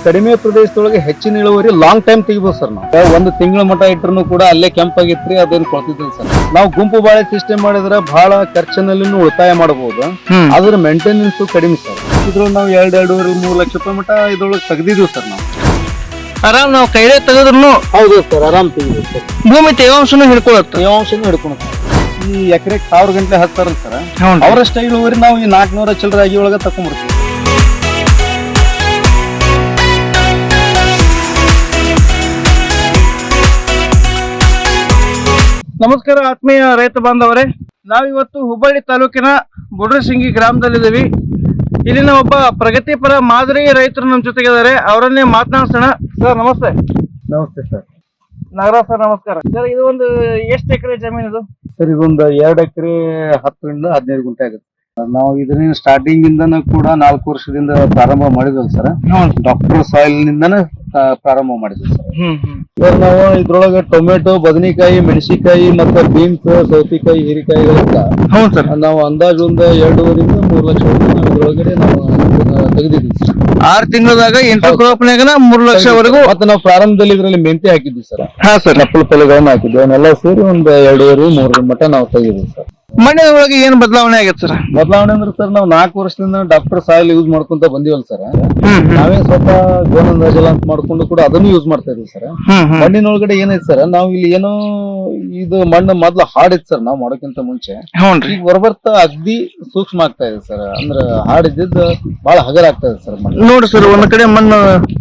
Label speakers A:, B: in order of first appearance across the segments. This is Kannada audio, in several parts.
A: ಕಡಿಮೆ ಪ್ರದೇಶದೊಳಗೆ ಹೆಚ್ಚಿನ ಇಳುವರಿ ಲಾಂಗ್ ಟೈಮ್ ತೆಗಿಬಹುದು ಸರ್. ನಾವು ಒಂದು ತಿಂಗಳ ಮಟ್ಟ ಇಟ್ಟರು ಕೂಡ ಅಲ್ಲೇ ಕೆಂಪಾಗಿತ್ರಿ ಅದೇನು ಕೊಳ್ತಿದ್ದಿಲ್ಲ ಸರ್. ನಾವು ಗುಂಪು ಬಾಳೆ ಸಿಸ್ಟಮ್ ಮಾಡಿದ್ರೆ ಬಹಳ ಖರ್ಚಿನಲ್ಲಿ ಉಳಿತಾಯ ಮಾಡಬಹುದು. ಅದ್ರ ಮೇಂಟೆನೆನ್ಸ್ ಕಡಿಮೆ ಸರ್. ಇದ್ರೊಳಗೆ ನಾವು 2-2.5-3 ಲಕ್ಷ ರೂಪಾಯಿ ಮಟ್ಟ ಇದ್ರೊಳಗೆ ತೆಗ್ದಿದ್ವಿ ಸರ್. ನಾವು
B: ಆರಾಮ್ ನಾವು ಕೈಲೇ ತೆಗೆದ್ರು
A: ಹೌದು ಸರ್, ಆರಾಮ್ ತೆಗಿದ್ವಿ ಸರ್.
B: ಭೂಮಿ ತೇವಾಂಶನೂ ಹಿಡ್ಕೊಳತ್ತ.
A: ತೇವಾಂಶನೂ ಹಿಡ್ಕೊಳುತ್ತೆ. ಈ ಎಕರೆಗೆ 1000 ಗಂಟೆ ಹಾಕ್ತಾರಲ್ಲ ಸರ್, ಅವರಷ್ಟ ಇಳುವರಿ ನಾವು ಈ 400 ಚಿಲ್ಲರೆ ಆಗಿ ಒಳಗೆ ತಕೊಂಡ್ಬಿಡ್ತೀವಿ.
B: ನಮಸ್ಕಾರ ಆತ್ಮೀಯ ರೈತ ಬಾಂಧವರೇ, ನಾವಿವತ್ತು ಹುಬ್ಬಳ್ಳಿ ತಾಲೂಕಿನ ಬುಡ್ರಸಿಂಗಿ ಗ್ರಾಮದಲ್ಲಿದ್ದೀವಿ. ಇಲ್ಲಿನ ಒಬ್ಬ ಪ್ರಗತಿಪರ ಮಾದರಿ ರೈತರು ನಮ್ಮ ಜೊತೆಗಿದ್ದಾರೆ. ಅವರನ್ನೇ ಮಾತನಾಡ್ಸೋಣ. ಸರ್ ನಮಸ್ತೆ.
A: ನಮಸ್ತೆ ಸರ್.
B: ನಾಗರಾಜ್ ಸರ್ ನಮಸ್ಕಾರ. ಸರ್ ಇದು ಒಂದು ಎಷ್ಟು ಎಕರೆ ಜಮೀನು ಇದು?
A: ಸರ್ ಇದೊಂದು 2 ಎಕರೆ 10ರಿಂದ 15 ಗುಂಟೆ ಆಗುತ್ತೆ. ನಾವು ಇದನ್ನ ಸ್ಟಾರ್ಟಿಂಗ್ ಇಂದನೂ ಕೂಡ 4 ವರ್ಷದಿಂದ ಪ್ರಾರಂಭ ಮಾಡಿದ್ವಲ್ಲ ಸರ್. ಡಾಕ್ಟರ್ ಸಾಯಿಲ್ ನಿಂದನೇ ಪ್ರಾರಂಭ ಮಾಡಿದ್ವಿ ಸರ್. ಸರ್ ನಾವು ಇದ್ರೊಳಗೆ ಟೊಮೆಟೊ, ಬದನೆಕಾಯಿ, ಮೆಣಸಿನಕಾಯಿ ಮತ್ತೆ ಬೀನ್ಸ್, ಸೌತೆಕಾಯಿ, ಹೀರೆಕಾಯಿಗಳಿಂದ ನಾವು ಅಂದಾಜು ಒಂದು 2.5-3 ಲಕ್ಷ ನಾವು ಇದ್ರೊಳಗಡೆ ನಾವು ತೆಗೆದಿದ್ವಿ ಸರ್.
B: 6 ತಿಂಗಳದಾಗ ಇಂಟರ್ ಕ್ರಾಪ್ನಾಗ 3 ಲಕ್ಷವರೆಗೂ.
A: ಮತ್ತೆ ನಾವು ಪ್ರಾರಂಭದಲ್ಲಿ ಇದರಲ್ಲಿ ಮೆಂತೆ ಹಾಕಿದ್ವಿ ಸರ್. ಹಾ ಸರ್, ನಪ್ಪಲು ಪಲ್ಯಗಳನ್ನ ಹಾಕಿದ್ವಿ. ಅವನ್ನೆಲ್ಲ ಸೇರಿ ಒಂದು 2.5-3 ಮಟ್ಟ ನಾವು ತೆಗೆದಿದ್ವಿ ಸರ್.
B: ಮಣ್ಣಿನ ಒಳಗೆ ಏನ್ ಬದಲಾವಣೆ ಆಗತ್ತೆ ಸರ್?
A: ಬದಲಾವಣೆ ಅಂದ್ರೆ ಸರ್, ನಾವು 4 ವರ್ಷದಿಂದ ಡಾಕ್ಟರ್ ಸಾಯಿಲ್ ಯೂಸ್ ಮಾಡ್ಕೊಂತ ಬಂದಿವಲ್ಲ ಸರ್. ನಾವೇ ಸ್ವಲ್ಪ ಗೋನಂದಾಜಲ ಅಂತ ಮಾಡ್ಕೊಂಡು ಕೂಡ ಅದನ್ನು ಯೂಸ್ ಮಾಡ್ತಾ ಇದೀವಿ ಸರ್. ಮಣ್ಣಿನೊಳಗಡೆ ಏನೈತೆ ಸರ್, ನಾವು ಇಲ್ಲಿ ಏನೋ ಇದು ಮಣ್ಣು ಮೊದ್ಲು ಹಾಡಿತ್ತು ಸರ್ ನಾವು ಮಾಡೋಕ್ಕಿಂತ ಮುಂಚೆ. ಈಗ ಬರ್ಬರ್ತಾ ಅಗ್ದಿ ಸೂಕ್ಷ್ಮ ಆಗ್ತಾ ಇದೆ ಸರ್. ಅಂದ್ರೆ ಹಾಡಿದ್ದು ಬಹಳ ಹಗರ ಆಗ್ತಾ ಇದೆ ಸರ್ ಮಣ್ಣು.
B: ನೋಡಿ ಸರ್, ಒಂದ್ ಕಡೆ ಮಣ್ಣು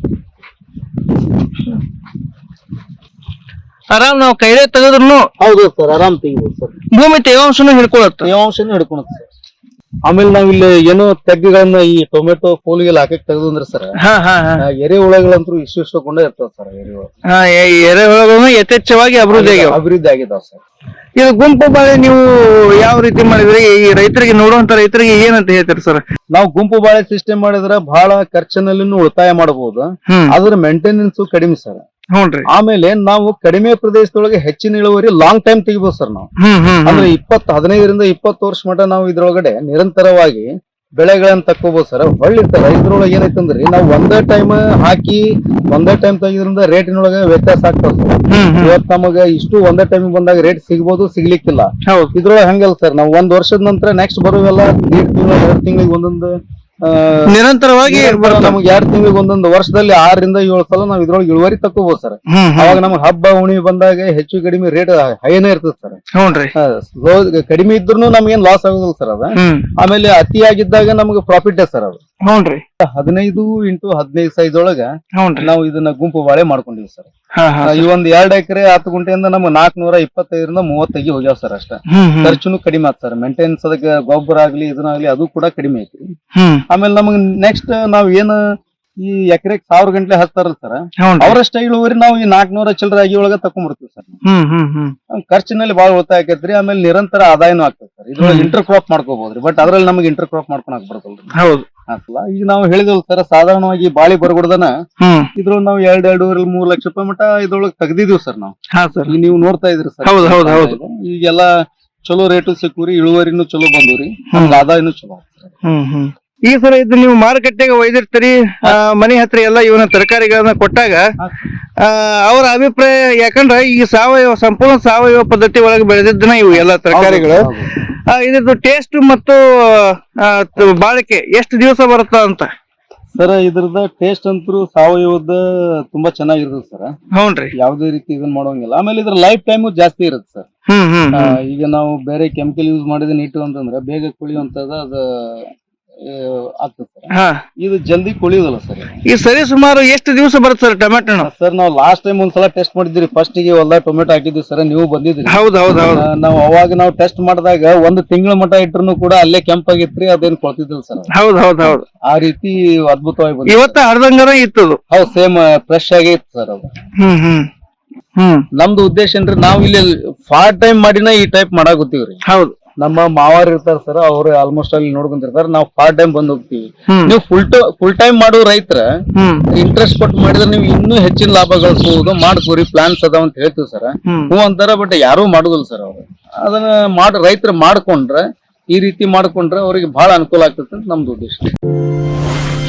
B: ಆರಾಮ್ ನಾವು ಕೈಲೇ ತೆಗೆದ್ರು.
A: ಹೌದು ಸರ್, ಆರಾಮ್ ತೆಗಿಬಹುದು ಸರ್.
B: ಭೂಮಿ ತೇವಾಂಶನೂ ಹಿಡ್ಕೊಳತ್ತ.
A: ತೇವಾಂಶನೂ ಹಿಡ್ಕೊಳುತ್ತೆ ಸರ್. ಆಮೇಲೆ ನಾವ್ ಇಲ್ಲಿ ಏನೋ ತೆಗ್ಗುಗಳನ್ನ ಈ ಟೊಮೆಟೊ ಫೋಲಿಗೆಲ್ಲ ಹಾಕಕ್ ತೆಗೆದು ಅಂದ್ರೆ ಸರ್, ಎರೆಹುಳಗಳಂತೂ ಇಷ್ಟಕೊಂಡೇ ಇರ್ತಾವ ಸರ್.
B: ಎರೆಹುಳಗಳು ಯಥೇಚ್ಛವಾಗಿ
A: ಅಭಿವೃದ್ಧಿ ಆಗಿದಾವ ಸರ್.
B: ಇದು ಗುಂಪು ಬಾಳೆ ನೀವು ಯಾವ ರೀತಿ ಮಾಡಿದ್ರಿ? ಈ ರೈತರಿಗೆ ನೋಡುವಂತ ರೈತರಿಗೆ ಏನಂತ ಹೇಳ್ತೀರಿ ಸರ್?
A: ನಾವು ಗುಂಪು ಬಾಳೆ ಸಿಸ್ಟಮ್ ಮಾಡಿದ್ರೆ ಬಹಳ ಖರ್ಚಿನಲ್ಲಿ ಉಳಿತಾಯ ಮಾಡಬಹುದು. ಅದ್ರ ಮೇಂಟೆನೆನ್ಸ್ ಕಡಿಮೆ ಸರ್. ಆಮೇಲೆ ನಾವು ಕಡಿಮೆ ಪ್ರದೇಶದೊಳಗೆ ಹೆಚ್ಚಿನ ಇಳುವರಿ ಲಾಂಗ್ ಟೈಮ್ ತೆಗಿಬಹುದು ಸರ್. ನಾವು ಅಂದ್ರೆ 15-20 ವರ್ಷ ಮಟ್ಟ ನಾವು ಇದ್ರೊಳಗಡೆ ನಿರಂತರವಾಗಿ ಬೆಳೆಗಳನ್ನ ತಕ್ಕೋಬಹುದು ಸರ್. ಹೊಳ್ಳಿ ಸರ್ ಇದ್ರೊಳಗೆ ಏನೈತಂದ್ರಿ, ನಾವು ಒಂದೇ ಟೈಮ್ ಹಾಕಿ ಒಂದೇ ಟೈಮ್ ತೆಗಿದ್ರಿಂದ ರೇಟಿನೊಳಗೆ ವ್ಯತ್ಯಾಸ ಆಗ್ತದೆ ಸರ್. ಇವತ್ತು ನಮಗ ಇಷ್ಟು ಒಂದೇ ಟೈಮ್ ಬಂದಾಗ ರೇಟ್ ಸಿಗ್ಬೋದು, ಸಿಗ್ಲಿಕ್ಕಿಲ್ಲ. ಇದ್ರೊಳಗೆ ಹಂಗಲ್ಲ ಸರ್. ನಾವು 1 ವರ್ಷದ ನಂತರ ನೆಕ್ಸ್ಟ್ ಬರುವೆಲ್ಲ 1 ತಿಂಗಳ 2 ತಿಂಗಳಿಗೆ ಒಂದೊಂದು
B: ನಿರಂತರವಾಗಿ
A: ನಮ್ಗೆ 2 ತಿಂಗಳಿಗೆ ಒಂದೊಂದು ವರ್ಷದಲ್ಲಿ 6-7 ಸಲ ನಾವ್ ಇದ್ರೊಳಗೆ ಇಳುವರಿ ತಕ್ಕೋಬಹುದು ಸರ್. ಅವಾಗ ನಮ್ಗೆ ಹಬ್ಬ ಹುಣಿಮೆ ಬಂದಾಗ ಹೆಚ್ಚು ಕಡಿಮೆ ರೇಟ್ ಹೈನೇ ಇರ್ತದೆ ಸರ್. ಕಡಿಮೆ ಇದ್ರು ನಮ್ಗೇನ್ ಲಾಸ್ ಆಗೋದಿಲ್ಲ ಸರ್ ಅದ. ಆಮೇಲೆ ಅತಿಯಾಗಿದ್ದಾಗ ನಮ್ಗೆ ಪ್ರಾಫಿಟ್ ಸರ್ ಅದು. 15x15 ಸೈಜ್ ಒಳಗ ನಾವು ಇದನ್ನ ಗುಂಪು ಬಾಳೆ ಮಾಡ್ಕೊಂಡಿವಿ ಸರ್. ಈ ಒಂದ್ 2 ಎಕರೆ 10 ಗುಂಟೆಯಿಂದ ನಮ್ಗೆ 425-30 ಹೋಗ್ಯಾವ ಸರ್. ಅಷ್ಟ ಖರ್ಚುನು ಕಡಿಮೆ ಆತ್ ಸರ್. ಮೇಂಟೆನೆನ್ಸ್ ಅದಕ್ಕೆ ಗೊಬ್ಬರ ಆಗ್ಲಿ ಇದನ್ನಾಗ್ಲಿ ಅದು ಕೂಡ ಕಡಿಮೆ ಐತಿ. ಆಮೇಲೆ ನಮಗ್ ನೆಕ್ಸ್ಟ್ ನಾವ್ ಏನ್ ಈ ಎಕರೆಗೆ 1000 ಗಂಟೆ ಹಾಕ್ತಾರಲ್ಲ ಸರ್, ಅವರಷ್ಟ ಇಳುವರಿ ನಾವು ಈ 400 ಚಿಲ್ಲರೆ ಆಗಿ ಒಳಗ ತಕೊಂಡ್ಬಿಡ್ತೀವಿ ಸರ್. ಖರ್ಚಿನಲ್ಲಿ ಬಹಳ ಉಳಿತಾಯ ಆಕೈತ್ರಿ. ಆಮೇಲೆ ನಿರಂತರ ಆದಾಯನೂ ಆಗ್ತದೆ ಸರ್. ಇದ್ರೊಳಗೆ ಇಂಟರ್ ಕ್ರಾಪ್ ಮಾಡ್ಕೋಬಹುದ್ರಿ. ಬಟ್ ಅದ್ರಲ್ಲಿ ನಮಗೆ ಇಂಟರ್ ಕ್ರಾಪ್ ಮಾಡ್ಕೊಳಕ್ ಬರ್ತಲ್ರಿ. ಹಾಕಲ್ಲ. ಈಗ ನಾವು ಹೇಳಿದಲ್ ಸರ್, ಸಾಧಾರಣವಾಗಿ ಬಾಳಿ ಬರಗುಡ್ದನ ಇದ್ರೊಳಗೆ ನಾವು 2-2.5-3 ಲಕ್ಷ ರೂಪಾಯಿ ಮಟ್ಟ ಇದ್ರೊಳಗೆ ತೆಗ್ದಿದೀವಿ ಸರ್ ನಾವು. ಈಗ ನೀವು ನೋಡ್ತಾ ಇದ್ರಿ ಸರ್, ಈಗೆಲ್ಲ ಚಲೋ ರೇಟು ಸಿಕ್ಕೂರಿ, ಇಳುವರಿನೂ ಚಲೋ ಬಂದೂರಿ, ನಮ್ಗೆ ಆದಾಯನೂ ಚಲೋ.
B: ಈ ಸರ್ ಇದು ನೀವು ಮಾರುಕಟ್ಟೆಗೆ ಒಯ್ದಿರ್ತೀರಿ, ಮನೆ ಹತ್ರ ಎಲ್ಲ ಇವನ ತರಕಾರಿಗಳನ್ನ ಕೊಟ್ಟಾಗ ಅವರ ಅಭಿಪ್ರಾಯ, ಯಾಕಂದ್ರೆ ಈ ಸಂಪೂರ್ಣ ಸಾವಯವ ಪದ್ಧತಿ ಒಳಗೆ ಬೆಳೆದಿದ್ದನ ಇವು ಎಲ್ಲ ತರಕಾರಿಗಳು, ಇದ್ರದ್ದು ಟೇಸ್ಟ್ ಮತ್ತು ಬಾಳಿಕೆ ಎಷ್ಟು ದಿವಸ ಬರುತ್ತ ಅಂತ
A: ಸರ್? ಇದ್ರದ ಟೇಸ್ಟ್ ಅಂತೂ ಸಾವಯವದ ತುಂಬಾ ಚೆನ್ನಾಗಿರ್ತದೆ ಸರ್. ಹೌನ್ರಿ, ಯಾವುದೇ ರೀತಿ ಇದನ್ನ ಮಾಡೋಂಗಿಲ್ಲ. ಆಮೇಲೆ ಇದ್ರ ಲೈಫ್ ಟೈಮು ಜಾಸ್ತಿ ಇರುತ್ತೆ ಸರ್. ಈಗ ನಾವು ಬೇರೆ ಕೆಮಿಕಲ್ ಯೂಸ್ ಮಾಡಿದ ಇಟ್ಟು ಅಂತಂದ್ರೆ ಬೇಗ ಕುಳಿಯುವಂತದ ಅದು ಆಗ್ತದೆ ಸರ್. ಇದು ಜಲ್ದಿ ಕುಳಿಯೋದಿಲ್ಲ ಸರ್.
B: ಈ ಸರಿ ಸುಮಾರು ಎಷ್ಟು ದಿವಸ ಬರುತ್ತೆ ಸರ್ ಟೊಮೆಟೊ?
A: ಸರ್ ನಾವು ಲಾಸ್ಟ್ ಟೈಮ್ ಒಂದ್ಸಲ ಟೆಸ್ಟ್ ಮಾಡಿದ್ರಿ. ಫಸ್ಟ್ ಗೆ ಹೊಲ ಟೊಮೆಟೊ ಹಾಕಿದ್ವಿ ಸರ್, ನೀವು ಬಂದಿದ್ರಿ. ನಾವು ಅವಾಗ ನಾವು ಟೆಸ್ಟ್ ಮಾಡಿದಾಗ 1 ತಿಂಗಳ ಮಟ್ಟ ಇಟ್ರು ಕೂಡ ಅಲ್ಲೇ ಕೆಂಪಾಗಿತ್ರಿ, ಅದೇನ್ ಕೊಳ್ತಿದ್ದಿಲ್ಲ ಸರ್. ಆ ರೀತಿ ಅದ್ಭುತವಾಗಿ ಬಂದ.
B: ಇವತ್ತ ಅರ್ಧಂಗರ ಇತ್ತು.
A: ಹೌದು, ಸೇಮ್ ಫ್ರೆಶ್ ಆಗೇ ಇತ್ತು ಸರ್ ಅದು. ನಮ್ದು ಉದ್ದೇಶ ಏನ್ರಿ, ನಾವು ಇಲ್ಲಿ ಪಾರ್ಟ್ ಟೈಮ್ ಮಾಡಿನ ಈ ಟೈಪ್ ಮಾಡಾಕತ್ತೀವ್ರಿ. ಹೌದು, ನಮ್ಮ ಮಾವಾರ್ ಇರ್ತಾರ ಸರ್, ಅವ್ರು ಆಲ್ಮೋಸ್ಟ್ ಅಲ್ಲಿ ನೋಡ್ಕೊಂತಿರ್ತಾರ. ನಾವು ಪಾರ್ಟ್ ಟೈಮ್ ಬಂದ್ ಹೋಗ್ತೀವಿ. ನೀವು ಫುಲ್ ಟೈಮ್ ಮಾಡೋ ರೈತರ ಇಂಟ್ರೆಸ್ಟ್ ಕೊಟ್ಟು ಮಾಡಿದ್ರೆ ನೀವು ಇನ್ನೂ ಹೆಚ್ಚಿನ ಲಾಭ ಗಳಿಸಬಹುದು. ಮಾಡ್ಕೋರಿ, ಪ್ಲಾನ್ಸ್ ಅದಾವ ಅಂತ ಹೇಳ್ತೀವಿ ಸರ್. ಹ್ಞೂ ಅಂತಾರ, ಬಟ್ ಯಾರು ಮಾಡುದಿಲ್ಲ ಸರ್. ಅವ್ರು ಅದನ್ನ ರೈತರು ಮಾಡ್ಕೊಂಡ್ರೆ, ಈ ರೀತಿ ಮಾಡ್ಕೊಂಡ್ರೆ ಅವ್ರಿಗೆ ಬಹಳ ಅನುಕೂಲ ಆಗ್ತದೆ ಅಂತ ನಮ್ದು ಉದ್ದೇಶ.